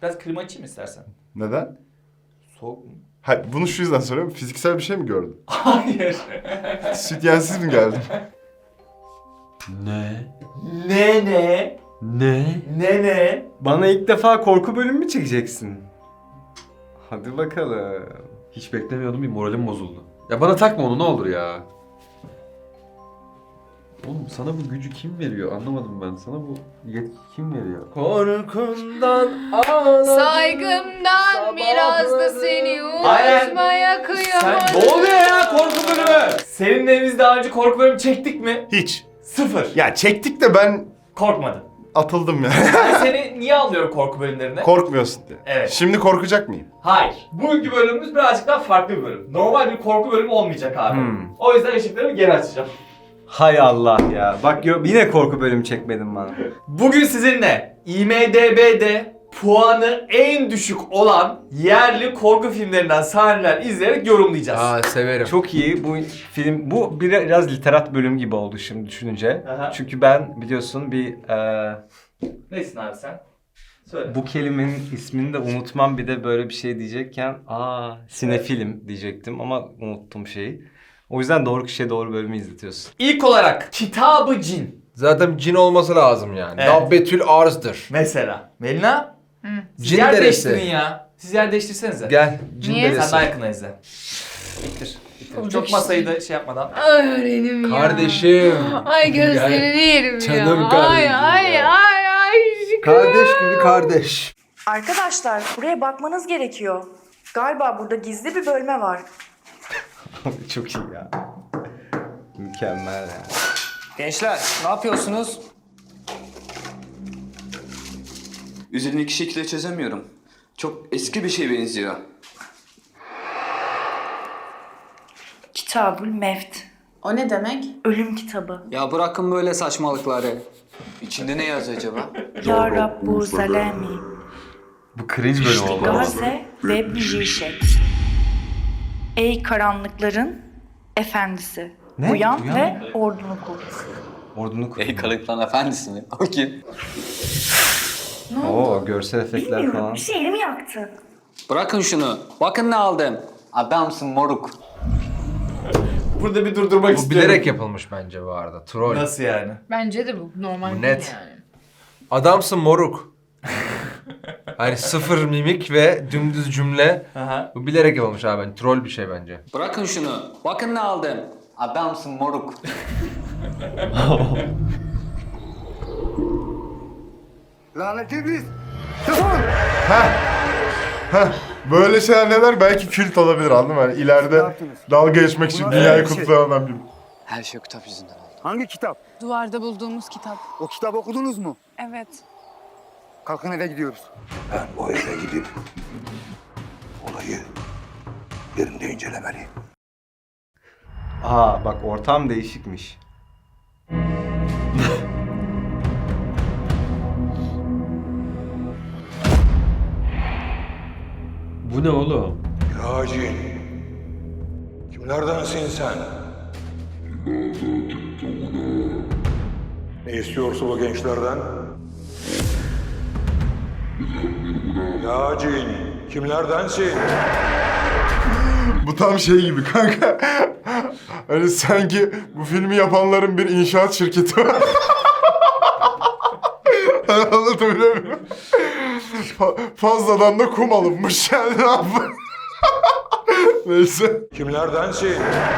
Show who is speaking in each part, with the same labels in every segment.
Speaker 1: Biraz klima açayım istersen.
Speaker 2: Neden?
Speaker 1: Soğuk mu?
Speaker 2: Hayır, bunu şu yüzden soruyorum. Fiziksel bir şey mi gördün?
Speaker 1: Hayır.
Speaker 2: Sütyensiz mi geldin?
Speaker 3: Ne?
Speaker 1: Ne?
Speaker 3: Ne?
Speaker 4: Bana ilk defa korku bölümü mü çekeceksin? Hadi bakalım.
Speaker 3: Hiç beklemiyordum, bir moralim bozuldu. Ya bana takma onu ne olur ya. Oğlum sana bu gücü kim veriyor? Anlamadım ben. Sana bu yetki kim veriyor? Korkundan ağladım.
Speaker 5: Saygımdan biraz da seni
Speaker 1: Aynen.
Speaker 5: unutmaya
Speaker 1: Sen
Speaker 5: kıyamadım.
Speaker 1: ne oluyor ya korku bölümü? Seninle biz daha önce korku bölümü çektik mi?
Speaker 2: Hiç.
Speaker 1: Sıfır.
Speaker 2: Ya çektik de ben
Speaker 1: Korkmadım.
Speaker 2: atıldım ya.
Speaker 1: Ben seni niye alıyorum korku bölümlerine?
Speaker 2: Korkmuyorsun diye.
Speaker 1: Evet.
Speaker 2: Şimdi korkacak mıyım?
Speaker 1: Hayır. Bugünkü bölümümüz birazcık daha farklı bir bölüm. Normal bir korku bölümü olmayacak abi. O yüzden ışıklarımı geri açacağım.
Speaker 4: Hay Allah ya. Bak yine korku bölümü çekmedin bana.
Speaker 1: Bugün sizinle IMDb'de puanı en düşük olan yerli korku filmlerinden sahneler izleyerek yorumlayacağız.
Speaker 6: Aa severim.
Speaker 4: Çok iyi bu film. Bu biraz literat bölüm gibi oldu şimdi düşününce.
Speaker 1: Aha.
Speaker 4: Çünkü ben biliyorsun
Speaker 1: Nesin abi sen? Söyle.
Speaker 4: bu kelimenin ismini de unutmam, bir de böyle bir şey diyecekken sinefilim diyecektim ama unuttum şeyi. O yüzden doğru kişiye doğru bölümü izletiyorsun.
Speaker 1: İlk olarak Kitab-ı Cin.
Speaker 6: Zaten cin olması lazım yani.
Speaker 1: Evet.
Speaker 6: Dabbetül arzdır.
Speaker 1: Mesela. Melina? Siz
Speaker 6: Cin
Speaker 1: yer
Speaker 6: deresi.
Speaker 1: değiştirin ya. Siz yer değiştirsenize.
Speaker 6: Gel cin
Speaker 5: Niye?
Speaker 1: Sen
Speaker 6: deresi.
Speaker 1: daha yakına izle. İttir.
Speaker 5: Olacak
Speaker 1: Çok
Speaker 5: işte.
Speaker 1: masayı da şey yapmadan.
Speaker 5: Ay öğrenim ya.
Speaker 6: Kardeşim.
Speaker 5: Ay gözlerini yerim ya.
Speaker 6: Canım
Speaker 5: Ay
Speaker 6: kardeşim
Speaker 5: ay
Speaker 6: ya.
Speaker 5: ay şükür.
Speaker 6: Kardeş gibi kardeş.
Speaker 7: Arkadaşlar buraya bakmanız gerekiyor. Galiba burada gizli bir bölme var.
Speaker 4: Çok iyi ya. Mükemmel ya.
Speaker 8: Gençler ne yapıyorsunuz?
Speaker 9: Üzerindeki şekilde çözemiyorum. Çok eski bir şeye benziyor.
Speaker 7: Kitabül Mevt.
Speaker 10: O ne demek?
Speaker 7: Ölüm kitabı.
Speaker 8: Ya bırakın böyle saçmalıkları.
Speaker 9: İçinde ne yazıyor acaba?
Speaker 7: Ya Rabbu Zalemi.
Speaker 4: Bu cringe bölüm oldu.
Speaker 7: Gaze ve Bijişek. Ey karanlıkların efendisi.
Speaker 4: Ne?
Speaker 7: Uyan
Speaker 4: Uyan
Speaker 7: ve ordunu kur.
Speaker 4: Ordunu kur.
Speaker 9: Ey kalıklan efendisi mi? O kim?
Speaker 4: Oo, görsel efektler
Speaker 7: Bilmiyorum,
Speaker 4: falan.
Speaker 7: bir şey elimi yaktı.
Speaker 8: Bırakın şunu. Bakın ne aldım.
Speaker 9: Adamsın moruk.
Speaker 1: Burada bir durdurmak
Speaker 6: Bu
Speaker 1: istiyorum.
Speaker 6: bilerek yapılmış bence bu arada. Troll.
Speaker 1: Nasıl yani?
Speaker 5: Bence de bu normal
Speaker 6: Bu
Speaker 5: değil
Speaker 6: net.
Speaker 5: yani.
Speaker 6: Adamsın moruk. Hani sıfır mimik ve dümdüz cümle.
Speaker 1: Aha.
Speaker 6: Bu bilerek yapılmış abi. Yani troll bir şey bence.
Speaker 8: Bırakın şunu. Bakın ne aldım.
Speaker 9: Adamsın moruk.
Speaker 11: Lanet iblis!
Speaker 2: Böyle şeyler neler belki kült olabilir, anladın mı? Yani ileride
Speaker 11: yaptınız?
Speaker 2: dalga geçmek için
Speaker 11: Buna-
Speaker 2: dünyayı
Speaker 11: Evet, şey-
Speaker 2: kutlayan adam gibi.
Speaker 9: Her şey o kitap yüzünden oldu.
Speaker 11: Hangi kitap?
Speaker 10: Duvarda bulduğumuz kitap.
Speaker 11: O kitabı okudunuz mu?
Speaker 10: Evet.
Speaker 11: Kalkın eve gidiyoruz.
Speaker 12: Ben o eve gidip olayı yerinde incelemeliyim.
Speaker 4: Bak ortam değişikmiş.
Speaker 3: Bu ne oğlum?
Speaker 12: Ya cin, kimlerdensin sen? Ne istiyorsun bu gençlerden? Ya cin, kimlerdensin?
Speaker 2: Bu tam şey gibi kanka. Hani sanki bu filmi yapanların bir inşaat şirketi var. Anlatabiliyor muyum? Fazladan da kum alınmış yani, ne yapayım? Neyse.
Speaker 12: Kimlerdensin?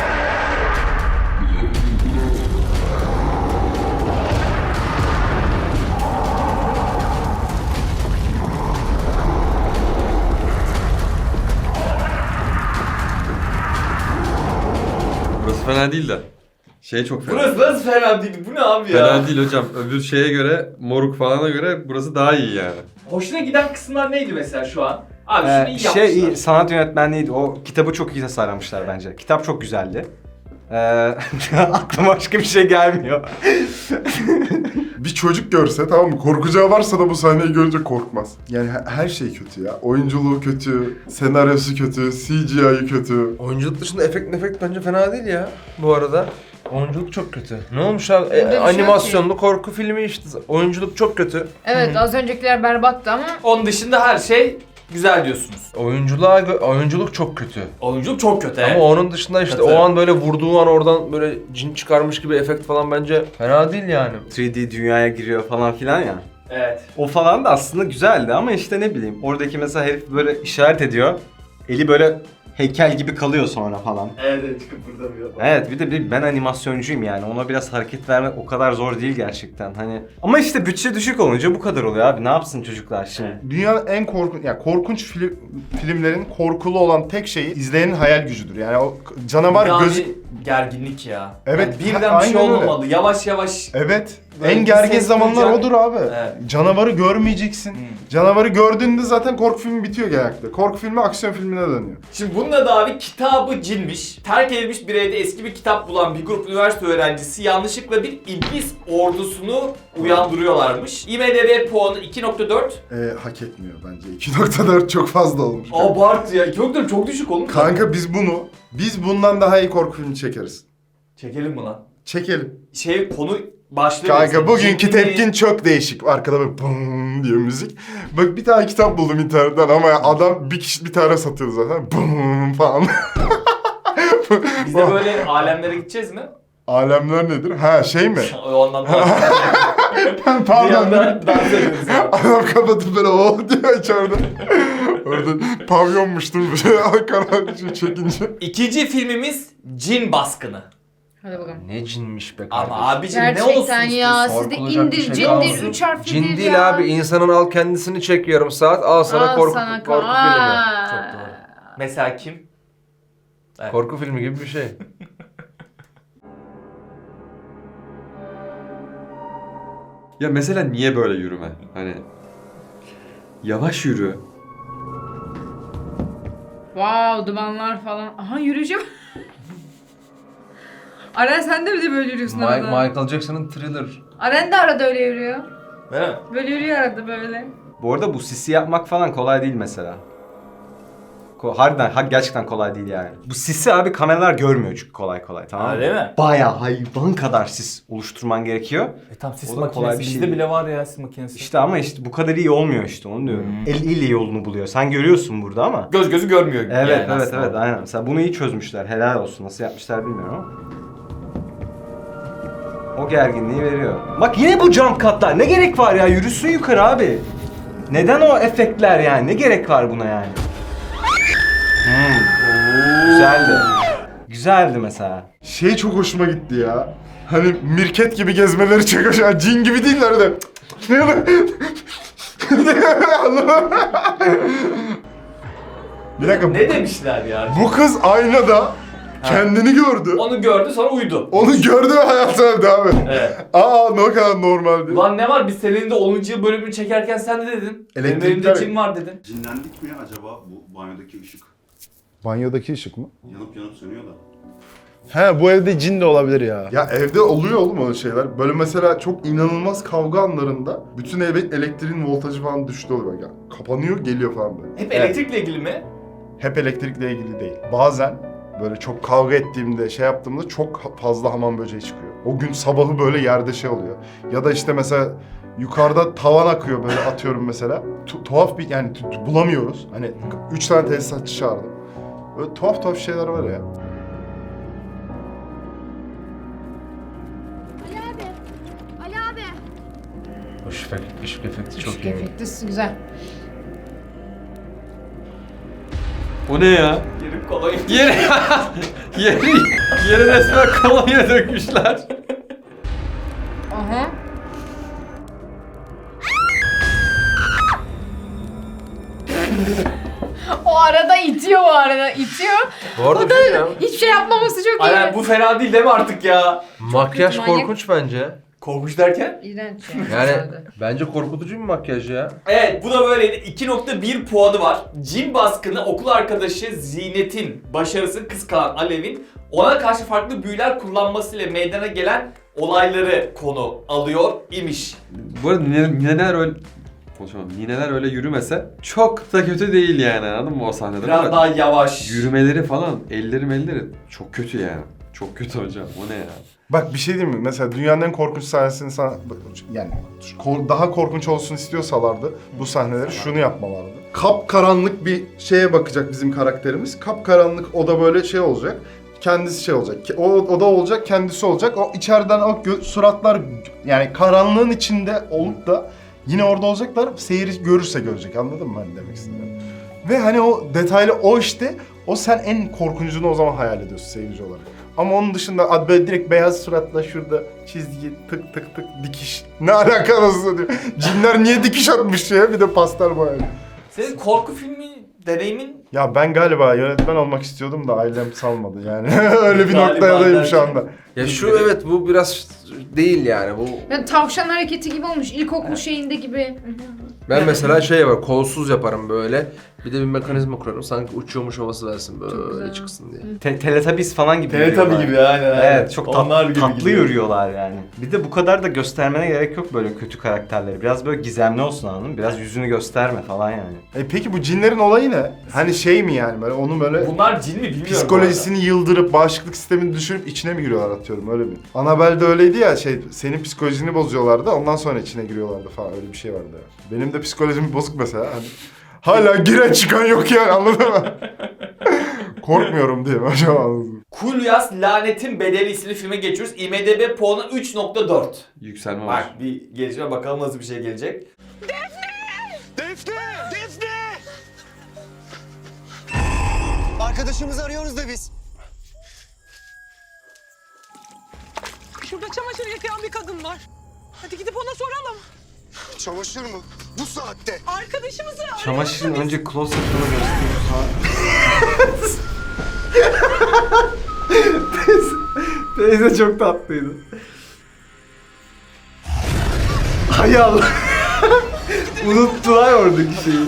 Speaker 3: Burası fena değil de. Şey çok fena.
Speaker 1: Burası nasıl fena değil? Bu ne abi ya?
Speaker 3: Fena değil hocam. Öbür şeye göre, moruk falana göre burası daha iyi yani.
Speaker 1: Hoşuna giden kısımlar neydi mesela şu an? Abi şunu iyi yapmışlar.
Speaker 4: Iyi, sanat yönetmenliğiydi. O kitabı çok iyi tasarlamışlar bence. Kitap çok güzeldi. Aklıma başka bir şey gelmiyor.
Speaker 2: Bir çocuk görse, tamam mı, korkacağı varsa da bu sahneyi görünce korkmaz. Yani her şey kötü ya. Oyunculuğu kötü, senaryosu kötü, CGI'yi kötü.
Speaker 6: Oyunculuk dışında efekt bence fena değil ya bu arada. Oyunculuk çok kötü. Ne olmuş abi?
Speaker 5: Bunda bir şey yok
Speaker 6: Animasyonlu korku filmi işte. Oyunculuk çok kötü.
Speaker 5: Evet az öncekiler berbattı ama
Speaker 1: Onun dışında her şey güzel diyorsunuz.
Speaker 6: Oyunculuk çok kötü.
Speaker 1: Oyunculuk çok kötü evet.
Speaker 6: Ama onun dışında işte
Speaker 1: Katılıyorum.
Speaker 6: o an böyle vurduğu an oradan böyle cin çıkarmış gibi efekt falan bence fena değil yani.
Speaker 4: 3D dünyaya giriyor falan filan ya.
Speaker 1: Evet.
Speaker 4: O falan da aslında güzeldi ama işte ne bileyim oradaki mesela herif böyle işaret ediyor. Eli böyle heykel gibi kalıyor sonra falan.
Speaker 1: Evet çıkıp burada bir
Speaker 4: Evet bir de ben animasyoncuyum yani ona biraz hareket vermek o kadar zor değil gerçekten hani. Ama işte bütçe düşük olunca bu kadar oluyor abi ne yapsın çocuklar şimdi.
Speaker 2: Dünyanın en korkunç filmlerin korkulu olan tek şeyi izleyenin hayal gücüdür. Yani o canavar
Speaker 1: yani
Speaker 2: göz...
Speaker 1: gerginlik ya.
Speaker 2: Evet,
Speaker 1: Yani birden bir şey
Speaker 2: aynen öyle.
Speaker 1: olmamalı. Yavaş yavaş.
Speaker 2: Evet.
Speaker 1: Böyle
Speaker 2: En
Speaker 1: bir
Speaker 2: gergin
Speaker 1: ses
Speaker 2: zamanlar
Speaker 1: duyacak.
Speaker 2: odur abi.
Speaker 1: Evet.
Speaker 2: Canavarı görmeyeceksin. Canavarı gördüğünde zaten korku filmi bitiyor genellikle. Korku filmi aksiyon filmine dönüyor.
Speaker 1: Şimdi bunun da abi kitabı cinmiş. Terk edilmiş bir evde eski bir kitap bulan bir grup üniversite öğrencisi yanlışlıkla bir iblis ordusunu uyandırıyorlarmış. IMDb puanı 2.4.
Speaker 2: Hak etmiyor bence. 2.4 çok fazla olmuş.
Speaker 1: Abart ya. 2.4 çok düşük oğlum.
Speaker 2: Kanka biz bundan daha iyi korku filmi çekeriz.
Speaker 1: Çekelim mi lan?
Speaker 2: Çekelim.
Speaker 1: Konu başlığı...
Speaker 2: Kanka
Speaker 1: mesela
Speaker 2: bugünkü
Speaker 1: cinli-
Speaker 2: tepkin çok değişik. Arkada böyle bum diyor müzik. Bak bir tane kitap buldum internetten ama adam bir tane satıyordu zaten. Bum falan.
Speaker 1: Biz de böyle alemlere gideceğiz mi?
Speaker 2: Alemler nedir? Ha şey mi?
Speaker 1: O anlamda. Bir
Speaker 2: Pardon.
Speaker 1: anda dans ediyoruz abi.
Speaker 2: Adam kapatıp böyle o diyor içeride. Orada pavyonmuştur böyle karar çekince.
Speaker 1: İkinci filmimiz Cin Baskını.
Speaker 5: hadi bakalım.
Speaker 6: Ne cinmiş be kardeşim.
Speaker 1: Ama abicim ne olsun
Speaker 5: Gerçekten ya
Speaker 1: istiyorsun?
Speaker 5: siz de
Speaker 6: Korkulacak bir
Speaker 5: indir
Speaker 6: şey kalmadı.
Speaker 5: cindir 3 harflidir
Speaker 6: Cin
Speaker 5: ya.
Speaker 6: değil abi. İnsanın al kendisini çek yarım saat. Al sana
Speaker 5: Al
Speaker 6: korku
Speaker 5: sana
Speaker 6: filmi.
Speaker 1: Çok doğru. Mesela kim? Evet.
Speaker 6: Korku filmi gibi bir şey.
Speaker 3: Ya mesela niye böyle yürüme? Hani yavaş yürü.
Speaker 5: Wow dumanlar falan. Aha yürüyeceğim. Aren sen de mi de böyle yürüyorsun arada?
Speaker 6: Michael Jackson'ın Thriller.
Speaker 5: Aren de arada öyle yürüyor.
Speaker 1: Değil mi?
Speaker 5: Böyle yürüyor arada böyle.
Speaker 4: Bu arada bu sisi yapmak falan kolay değil mesela. Harbiden gerçekten kolay değil yani. Bu sisi abi kameralar görmüyor çünkü kolay kolay tamam mı?
Speaker 1: Öyle mi?
Speaker 4: Bayağı hayvan kadar sis oluşturman gerekiyor.
Speaker 1: Tam sis
Speaker 4: O da kolay
Speaker 1: makinesi.
Speaker 4: bir şey
Speaker 1: Bizde
Speaker 4: değil.
Speaker 1: bile var ya sis makinesi.
Speaker 4: İşte ama işte bu kadar iyi olmuyor işte onu diyorum. El ile yolunu buluyor. Sen görüyorsun burada ama.
Speaker 1: Göz gözü görmüyor.
Speaker 4: Evet
Speaker 1: yani
Speaker 4: evet
Speaker 1: aslında.
Speaker 4: evet aynen. Mesela bunu iyi çözmüşler. Helal olsun. Nasıl yapmışlar bilmiyorum ama. O gerginliği veriyor. Bak yine bu jump cut'lar. Ne gerek var ya? Yürüsün yukarı abi. Neden o efektler yani? Ne gerek var buna yani? Güzeldi. Güzeldi mesela.
Speaker 2: Şey çok hoşuma gitti ya. Hani mirket gibi gezmeleri çok hoşuma. Cin gibi değiller de. Bir dakika.
Speaker 1: Ne demişler ya?
Speaker 2: Bu kız aynada kendini gördü.
Speaker 1: Onu gördü sonra uyudu.
Speaker 2: Onu gördü ve hayatına devam etti.
Speaker 1: Evet.
Speaker 2: Ne kadar normaldi.
Speaker 1: Ulan ne var biz senin de 10. yıl bölümünü çekerken sen de dedin. Benim
Speaker 2: Elektrikler-
Speaker 1: elimde cin var dedin.
Speaker 12: Cinlendik mi acaba bu banyodaki ışık?
Speaker 2: Banyodaki ışık mı?
Speaker 12: Yanıp sönüyor da.
Speaker 11: He bu evde cin de olabilir ya.
Speaker 2: Ya evde oluyor oğlum öyle şeyler. Böyle mesela çok inanılmaz kavga anlarında bütün eve elektriğin voltajı falan düştü oluyor. Yani kapanıyor geliyor falan böyle.
Speaker 1: Hep elektrikle ilgili mi?
Speaker 2: Hep elektrikle ilgili değil. Bazen böyle çok kavga ettiğimde şey yaptığımda çok fazla hamam böceği çıkıyor. O gün sabahı böyle yerde şey oluyor. Ya da işte mesela yukarıda tavan akıyor böyle atıyorum mesela. Tuhaf bir yani bulamıyoruz. Hani 3 tane tesisatçı çağırdım. Böyle tuhaf şeyler var ya.
Speaker 6: Işık efekti çok
Speaker 5: Işık
Speaker 6: iyi.
Speaker 5: efekti güzel.
Speaker 3: O ne ya?
Speaker 1: Yerim kolay.
Speaker 3: Yere resmen kolonya dökmüşler.
Speaker 5: Aha. O arada itiyor
Speaker 6: Bu arada bir şey ya.
Speaker 5: Hiçbir şey yapmaması çok iyi.
Speaker 1: Aynen bu fena değil mi artık ya?
Speaker 6: Makyaj
Speaker 5: kötü, manyak.
Speaker 6: korkunç bence.
Speaker 1: Korkunç derken?
Speaker 5: İğrenç
Speaker 6: Yani bence korkutucu bir makyaj ya.
Speaker 1: Evet bu da böyleydi. 2.1 puanı var. Cin baskını okul arkadaşı Zinet'in başarısı kıskanan Alev'in ona karşı farklı büyüler kullanmasıyla meydana gelen olayları konu alıyor imiş.
Speaker 3: Bu arada nineler öyle... Konuşamam. Nineler öyle yürümese çok da kötü değil yani anladın mı o sahnede?
Speaker 1: Biraz
Speaker 3: Ama
Speaker 1: daha yavaş.
Speaker 3: yürümeleri falan, elleri çok kötü yani. Çok kötü hocam. O ne ya?
Speaker 2: Bak bir şey diyeyim mi? Mesela dünyanın en korkunç sahnesini sana... Yani daha korkunç olsun istiyorsalardı bu sahneleri şunu yapmalardı. Kapkaranlık bir şeye bakacak bizim karakterimiz. Kapkaranlık oda böyle şey olacak. Kendisi şey olacak. O oda olacak, kendisi olacak. O içeriden o suratlar yani karanlığın içinde olup da yine orada olacaklar. Seyirci görürse görecek. Anladın mı hani demek istediğimi? Ve hani o detaylı o işte o sen en korkuncunu o zaman hayal ediyorsun seyirci olarak. Ama onun dışında böyle direkt beyaz suratla şurada çizgi tık tık tık dikiş. Ne alakası diyor. Cinler niye dikiş atmış ya bir de pastel boyayla.
Speaker 1: Senin korku filmi deneyimin
Speaker 2: Ya ben galiba yönetmen olmak istiyordum da ailem salmadı yani. Öyle bir
Speaker 1: Galiba
Speaker 2: noktadayım şu anda.
Speaker 6: Ya şu evet bu biraz değil yani bu.
Speaker 5: Yani tavşan hareketi gibi olmuş. İlkokul şeyinde gibi.
Speaker 6: Ben mesela şey yaparım, kolsuz yaparım böyle. Bir de bir mekanizma kurarım sanki uçuyormuş havası versin
Speaker 5: Çok
Speaker 6: böyle
Speaker 5: güzel.
Speaker 6: çıksın diye.
Speaker 4: Teletubbies falan gibi
Speaker 1: Teletubby
Speaker 4: yürüyorlar.
Speaker 1: gibi aynen.
Speaker 4: Evet çok
Speaker 1: Onlar gibi
Speaker 4: tatlı
Speaker 1: gidiyor.
Speaker 4: yürüyorlar yani. Bir de bu kadar da göstermene gerek yok böyle kötü karakterleri. Biraz böyle gizemli olsun anladın mı? Biraz yüzünü gösterme falan yani.
Speaker 2: Peki bu cinlerin olayı ne? Hani şey mi yani böyle onun böyle
Speaker 1: Bunlar cin mi bilmiyorum.
Speaker 2: psikolojisini yıldırıp bağışıklık sistemini düşürüp içine mi giriyorlar atıyorum öyle mi? Annabelle'de öyleydi ya şey senin psikolojini bozuyorlardı ondan sonra içine giriyorlardı falan öyle bir şey vardı. Benim de psikolojim bozuk mesela hani hala giren çıkan yok yani anladın mı? Korkmuyorum diye hocam anladım.
Speaker 1: Kulyas Lanetin Bedeli isimli filme geçiyoruz. IMDb puanı 3.4.
Speaker 3: Yükselme var.
Speaker 1: Bak bir gelişme bakalım nasıl bir şey gelecek.
Speaker 8: Arkadaşımızı arıyoruz da biz.
Speaker 10: Şurada çamaşır yıkayan bir kadın var. Hadi gidip ona soralım.
Speaker 12: Çamaşır mı? Bu saatte.
Speaker 10: Arkadaşımızı
Speaker 4: Çamaşırın önce close-up'ını gösteriyorsan... teyze çok tatlıydı. Hay Allah. Unuttular oradaki şeyi.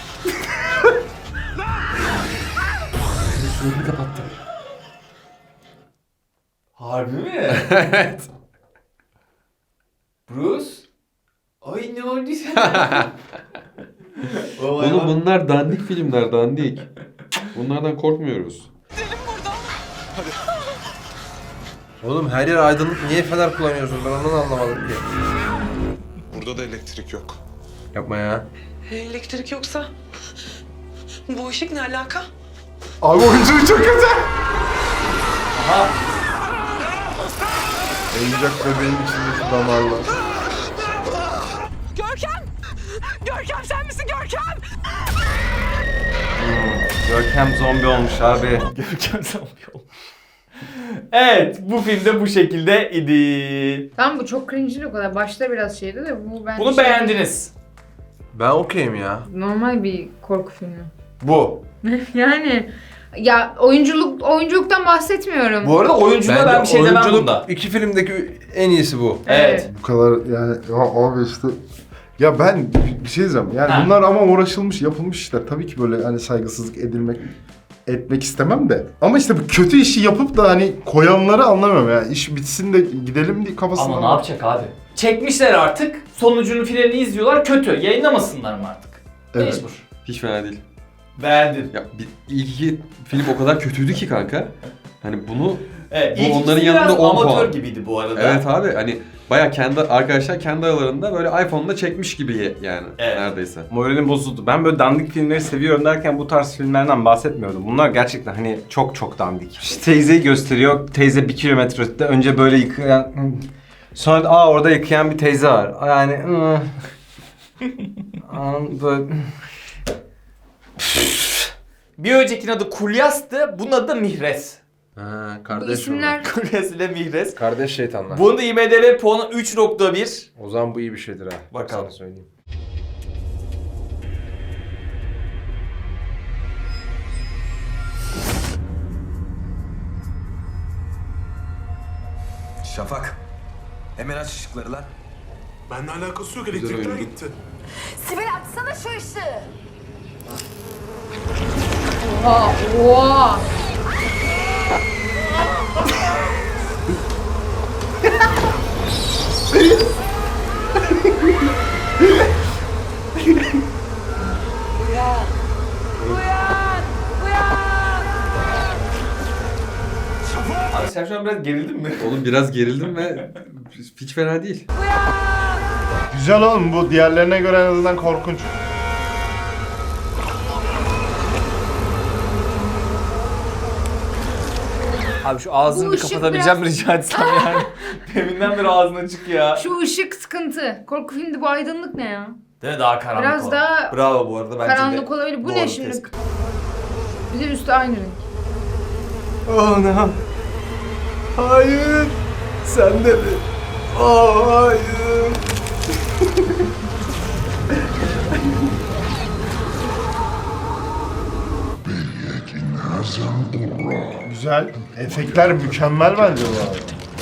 Speaker 1: Harbi mi?
Speaker 6: Evet.
Speaker 1: Bruce? Ay ne oldu sana?
Speaker 3: Oğlum bunlar dandik filmler, dandik. Bunlardan korkmuyoruz.
Speaker 6: Oğlum her yer aydınlık niye fener kullanıyorsun ben onu anlamadım ki.
Speaker 12: Burada da elektrik yok.
Speaker 6: Yapma ya.
Speaker 10: Elektrik yoksa bu ışık ne alaka?
Speaker 2: Abi oyuncu çok kötü.
Speaker 1: Aha.
Speaker 2: Oyuncak bebeğin içindeki damarlar.
Speaker 10: Görkem! Görkem sen misin Görkem?
Speaker 4: Görkem zombi olmuş abi.
Speaker 1: Görkem zombi olmuş. Evet bu filmde bu şekilde idi.
Speaker 5: Tamam bu çok cringe'li o kadar. Başta biraz şeydi de bu bence
Speaker 1: Bunu beğendiniz.
Speaker 6: Ben okeyim ya.
Speaker 5: Normal bir korku filmi.
Speaker 1: Bu.
Speaker 5: Yani ya oyunculuktan bahsetmiyorum.
Speaker 1: Bu arada oyunculuğa ben bir şey demem
Speaker 6: oyunculuk
Speaker 1: bunda.
Speaker 6: iki filmdeki en iyisi bu.
Speaker 1: Evet.
Speaker 2: Bu kadar yani ya abi işte ya ben bir şey diyeceğim yani
Speaker 1: Ha.
Speaker 2: bunlar ama uğraşılmış yapılmış işler tabii ki böyle hani saygısızlık etmek istemem de ama işte bu kötü işi yapıp da hani koyanları anlamıyorum yani iş bitsin de gidelim diye kafasında.
Speaker 1: Ama ne yapacak abi? Çekmişler artık. Sonucunun finalini izliyorlar. Kötü. Yayınlamasınlar mı artık?
Speaker 2: Evet.
Speaker 1: Mecbur.
Speaker 3: Hiç fena değil.
Speaker 1: Beğendin.
Speaker 3: Ya ilk iki film o kadar kötüydü ki kanka. Hani bunu
Speaker 1: Evet.
Speaker 3: Bu
Speaker 1: ilk
Speaker 3: onların
Speaker 1: ikisi
Speaker 3: yanında
Speaker 1: biraz
Speaker 3: 10
Speaker 1: amatör
Speaker 3: puan.
Speaker 1: gibiydi bu arada.
Speaker 3: evet abi hani baya arkadaşlar kendi aralarında böyle iPhone'da çekmiş gibi yani
Speaker 1: Evet.
Speaker 3: neredeyse.
Speaker 4: Moralim bozuldu. Ben böyle dandik filmleri seviyorum derken bu tarz filmlerden bahsetmiyordum. Bunlar gerçekten hani çok çok dandik. İşte teyzeyi gösteriyor. Teyze 1 kilometre ötede. Önce böyle yıkayan... Sonra da, orada yıkayan bir teyze var. Yani... böyle...
Speaker 1: Bir öncekinin adı Kulyas'tı. Bunun adı da Mihres.
Speaker 6: Ha,
Speaker 5: Bu
Speaker 6: kardeş
Speaker 5: isimler
Speaker 1: Kulyas ile Mihres.
Speaker 6: Kardeş şeytanlar.
Speaker 1: Bunun da IMDb puanı 3.1.
Speaker 6: O zaman bu iyi bir şeydir ha.
Speaker 1: Bakalım.
Speaker 6: Sana söyleyeyim.
Speaker 8: Şafak. Hemen aç ışıkları lan.
Speaker 12: Benimle alakası yok.
Speaker 3: Güzel
Speaker 12: Elektrikler
Speaker 3: oyuncu.
Speaker 12: gitti.
Speaker 7: Sibel açsana şu ışığı.
Speaker 5: Oha, oha.
Speaker 1: Abi sen şu an biraz gerildin mi?
Speaker 3: Oğlum biraz gerildim ve hiç fena değil.
Speaker 2: Güzel oğlum, bu diğerlerine göre en azından korkunç.
Speaker 1: Abi şu ağzını
Speaker 5: Bu
Speaker 1: bir
Speaker 5: ışık
Speaker 1: kapatabileceğim rica etsem yani. Deminden beri ağzın açık ya.
Speaker 5: Şu ışık sıkıntı. Korku filmde bu aydınlık ne ya?
Speaker 1: Değil mi? Daha karanlık
Speaker 5: Biraz
Speaker 1: o.
Speaker 5: daha
Speaker 1: Bravo bu arada bence de.
Speaker 5: karanlık olabilir. Bu
Speaker 1: Doğru
Speaker 5: ne şimdi?
Speaker 1: tespit.
Speaker 5: Bir de üstü aynı renk.
Speaker 1: Oh no. Hayır. Sen de mi? Oh hayır.
Speaker 2: Güzel. Efektler mükemmel bence bu arada.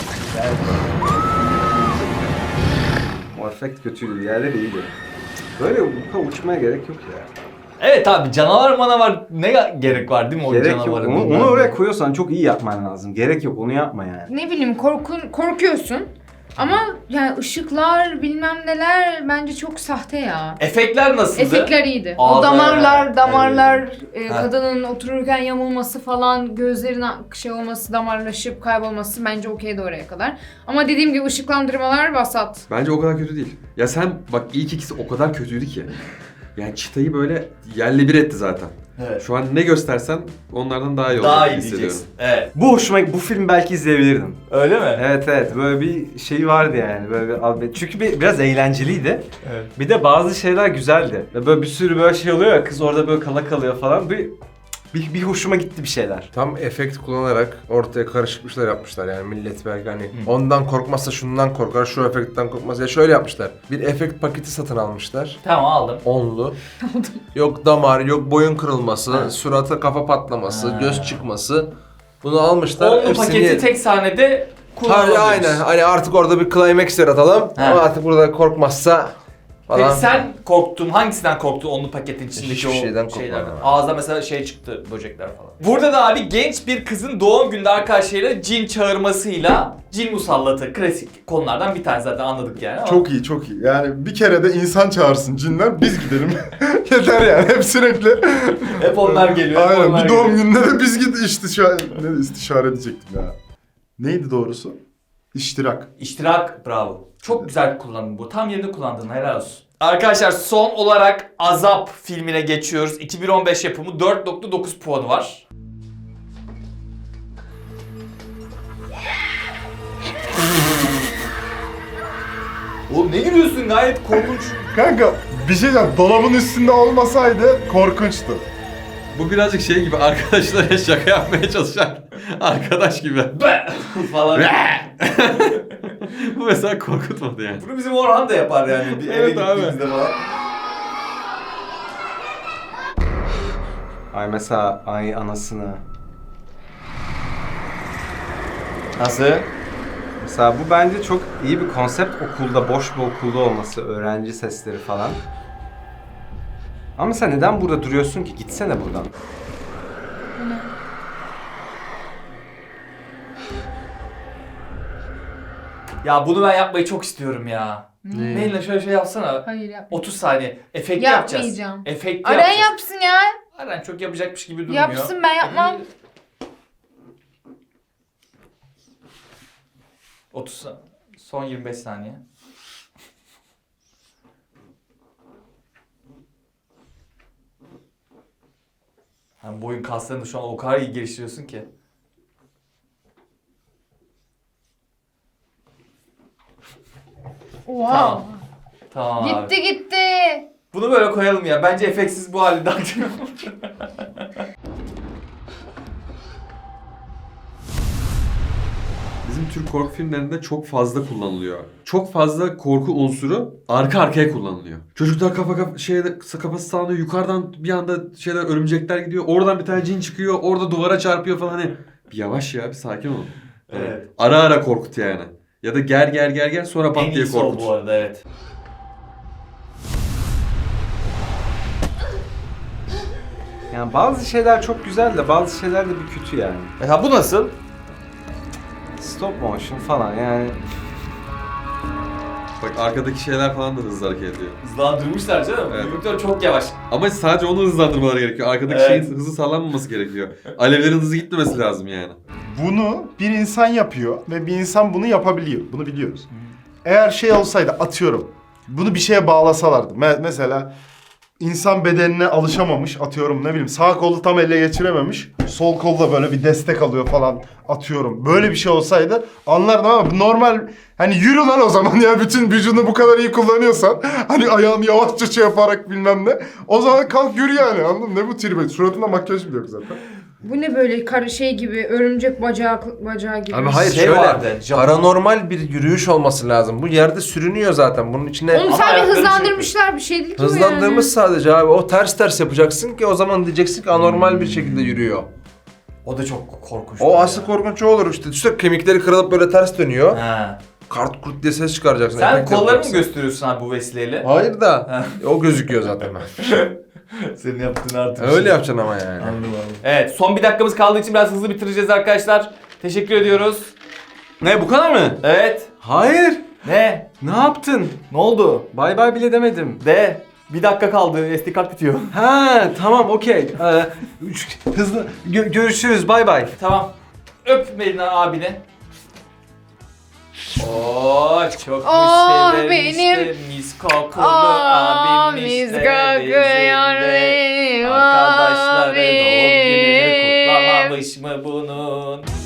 Speaker 4: O efekt kötüydü. Diğerleri iyiydi. Böyle bu kadar uçmaya gerek yok ya.
Speaker 1: Evet abi canavar manavar ne gerek var değil mi o
Speaker 4: Gerek yok.
Speaker 1: canavarın?
Speaker 4: Onu oraya koyuyorsan çok iyi yapman lazım. Gerek yok. Onu yapma yani.
Speaker 5: Ne bileyim korkuyorsun. Ama yani ışıklar bilmem neler bence çok sahte ya.
Speaker 1: Efektler nasıldı?
Speaker 5: Efektler iyiydi.
Speaker 1: Ağda-
Speaker 5: O damarlar,
Speaker 1: Evet.
Speaker 5: kadının otururken yamulması falan, gözlerin şey olması, damarlaşıp kaybolması bence okeydi oraya kadar. Ama dediğim gibi ışıklandırmalar vasat.
Speaker 3: Bence o kadar kötü değil. Ya sen bak ilk ikisi o kadar kötüydü ki. Yani çıtayı böyle yerle bir etti zaten.
Speaker 1: Evet.
Speaker 3: Şu an ne göstersen onlardan daha iyi olacak
Speaker 1: Daha iyi
Speaker 3: hissediyorum.
Speaker 1: diyeceksin. Evet.
Speaker 4: Bu film belki izleyebilirdim.
Speaker 1: Öyle mi?
Speaker 4: Evet böyle bir şey vardı yani böyle çünkü biraz eğlenceliydi.
Speaker 1: Evet.
Speaker 4: Bir de bazı şeyler güzeldi. Ve böyle bir sürü böyle şey oluyor ya kız orada böyle kala kalıyor falan. Bir hoşuma gitti bir şeyler.
Speaker 6: Tam efekt kullanarak ortaya karışıkmışlar yapmışlar yani millet belki hani ondan korkmazsa şundan korkar, şu efektten korkmaz. Ya şöyle yapmışlar. Bir efekt paketi satın almışlar.
Speaker 1: Tamam aldım.
Speaker 6: Onlu. Yok damar, yok boyun kırılması,
Speaker 1: Ha.
Speaker 6: surata kafa patlaması,
Speaker 1: Ha.
Speaker 6: göz çıkması. Bunu almışlar.
Speaker 1: Onlu
Speaker 6: hepsini-
Speaker 1: paketi tek sahnede kullanılmış.
Speaker 6: Aynen. Hani artık orada bir climax yaratalım.
Speaker 1: Ha.
Speaker 6: Ama artık burada korkmazsa falan.
Speaker 1: Peki sen korktun, hangisinden korktun onlu paketin içindeki
Speaker 6: Hiçbir
Speaker 1: o
Speaker 6: şeyden
Speaker 1: şeylerden?
Speaker 6: korkmadım.
Speaker 1: Ağızda mesela şey çıktı, böcekler falan. Burada da abi genç bir kızın doğum günde arkadaşlarıyla cin çağırmasıyla cin musallatı, klasik konulardan bir tane zaten anladık yani ama.
Speaker 2: Çok iyi, çok iyi. Yani bir kere de insan çağırsın cinler, biz gidelim. Yeter yani, hep sürekli.
Speaker 1: Hep onlar geliyor. hep
Speaker 2: Aynen,
Speaker 1: onlar
Speaker 2: bir doğum
Speaker 1: geliyor.
Speaker 2: gününde de biz git istişare edecektim ya. Neydi doğrusu? İştirak.
Speaker 1: İştirak, bravo. Çok güzel kullandın bu. Tam yerinde kullandın, helal olsun. Arkadaşlar son olarak Azap filmine geçiyoruz. 2015 yapımı 4.9 puanı var. Oğlum ne gülüyorsun, gayet korkunç.
Speaker 2: Kanka bir şey diyeceğim, dolabın üstünde olmasaydı korkunçtu.
Speaker 3: Bu birazcık şey gibi arkadaşlara şaka yapmaya çalışan arkadaş gibi.
Speaker 1: Be! falan.
Speaker 3: Bu mesela korkutmadı yani.
Speaker 1: Bunu bizim Orhan da yapar yani. Bir eve
Speaker 3: Evet abi.
Speaker 1: gittiğimizde falan.
Speaker 4: Ay mesela ay anasını.
Speaker 1: Nasıl?
Speaker 4: Mesela bu bence çok iyi bir konsept okulda, boş bir okulda olması, öğrenci sesleri falan. Ama sen neden burada duruyorsun ki? Gitsene buradan.
Speaker 1: Ya bunu ben yapmayı çok istiyorum ya. Neyle şöyle şey yapsana.
Speaker 5: Hayır yapma.
Speaker 1: 30 saniye. Efekt yapacağız.
Speaker 5: Yapmayacağım.
Speaker 1: Efekt
Speaker 5: Aran
Speaker 1: yapacağız.
Speaker 5: yapsın ya.
Speaker 1: Aran çok yapacakmış gibi durmuyor.
Speaker 5: Yapsın, ben yapmam.
Speaker 1: 30 son 25 saniye. Yani boyun kaslarını da şu an o kadar iyi geliştiriyorsun ki.
Speaker 5: Oha.
Speaker 1: Tamam. Tamam abi.
Speaker 5: Gitti.
Speaker 1: Bunu böyle koyalım ya. Bence efektsiz bu halde daha güzel olur.
Speaker 3: Bizim Türk korku filmlerinde çok fazla kullanılıyor. Çok fazla korku unsuru arka arkaya kullanılıyor. Çocuklar kafası sağlıyor, yukarıdan bir anda örümcekler gidiyor. Oradan bir tane cin çıkıyor, orada duvara çarpıyor falan hani. Bir yavaş ya, bir sakin olun.
Speaker 1: Evet.
Speaker 3: Ara ara korkut yani. Ya da gel sonra
Speaker 1: En
Speaker 3: pat diye
Speaker 1: iyisi o
Speaker 3: korkut.
Speaker 1: bu arada, evet.
Speaker 4: Yani bazı şeyler çok güzel de bazı şeyler de bir kötü yani.
Speaker 1: Mesela bu nasıl?
Speaker 4: Stop motion falan yani.
Speaker 3: Bak arkadaki şeyler falan da hızlı hareket ediyor.
Speaker 1: Hızlandırmışlar canım.
Speaker 3: Evet.
Speaker 1: Yumruklar çok yavaş.
Speaker 3: Ama sadece onu hızlandırmaları gerekiyor. Arkadaki
Speaker 1: Evet.
Speaker 3: şeyin hızı sağlanmaması gerekiyor. Alevlerin hızı gitmemesi lazım yani.
Speaker 2: Bunu bir insan yapıyor ve bir insan bunu yapabiliyor. Bunu biliyoruz. Eğer şey olsaydı atıyorum. Bunu bir şeye bağlasalardı. Mesela insan bedenine alışamamış atıyorum ne bileyim sağ kolu tam ele geçirememiş. Sol kolda böyle bir destek alıyor falan atıyorum. Böyle bir şey olsaydı anlardım ama normal hani yürü lan o zaman ya bütün vücudunu bu kadar iyi kullanıyorsan hani ayağını yavaşça şey yaparak bilmem ne. O zaman kalk yürü yani anladın mı? Ne bu tribe? Suratında makyaj bile yok zaten.
Speaker 5: Bu ne böyle şey gibi, örümcek bacağı gibi.
Speaker 6: Abi hayır
Speaker 1: Şey
Speaker 6: şöyle
Speaker 1: vardı, Japon-
Speaker 6: paranormal bir yürüyüş olması lazım. Bu yerde sürünüyor zaten. Bunun içine
Speaker 5: Onu
Speaker 1: Ama
Speaker 5: sadece
Speaker 1: ayakları
Speaker 5: hızlandırmışlar bir şey değil ki bu yani.
Speaker 6: hızlandırmış sadece abi. O ters yapacaksın ki o zaman diyeceksin ki anormal bir şekilde yürüyor.
Speaker 1: O da çok korkunç.
Speaker 6: O asıl korkunç o olur işte. Düşünsene kemikleri kırılıp böyle ters dönüyor.
Speaker 1: Ha.
Speaker 6: Kart kurt diye ses çıkaracaksın.
Speaker 1: Sen
Speaker 6: efekt
Speaker 1: kollarını mı
Speaker 6: yapacaksın.
Speaker 1: gösteriyorsun abi bu vesileyle?
Speaker 6: Hayır da o gözüküyor zaten.
Speaker 1: Senin yaptığın artık.
Speaker 6: Öyle yapacaksın ama yani.
Speaker 1: Evet, son bir dakikamız kaldığı için biraz hızlı bitireceğiz arkadaşlar. Teşekkür ediyoruz.
Speaker 4: Ne bu kadar mı?
Speaker 1: Evet.
Speaker 4: Hayır.
Speaker 1: Ne?
Speaker 4: Ne yaptın?
Speaker 1: Ne oldu?
Speaker 4: Bay bay bile demedim.
Speaker 1: De. Bir dakika kaldı. SD kart bitiyor.
Speaker 4: Ha tamam okey. Hızlı görüşürüz bay bay.
Speaker 1: Tamam. Öp Melina abini. Oo çok
Speaker 5: Oh,
Speaker 1: sevdim
Speaker 5: benim-
Speaker 1: işte mis kokulu abim
Speaker 5: mis
Speaker 1: işte
Speaker 5: kokuyor
Speaker 1: bizimle.
Speaker 5: benim
Speaker 1: Arkadaşları
Speaker 5: abim.
Speaker 1: doğum gününü kutlamamış mı bunun?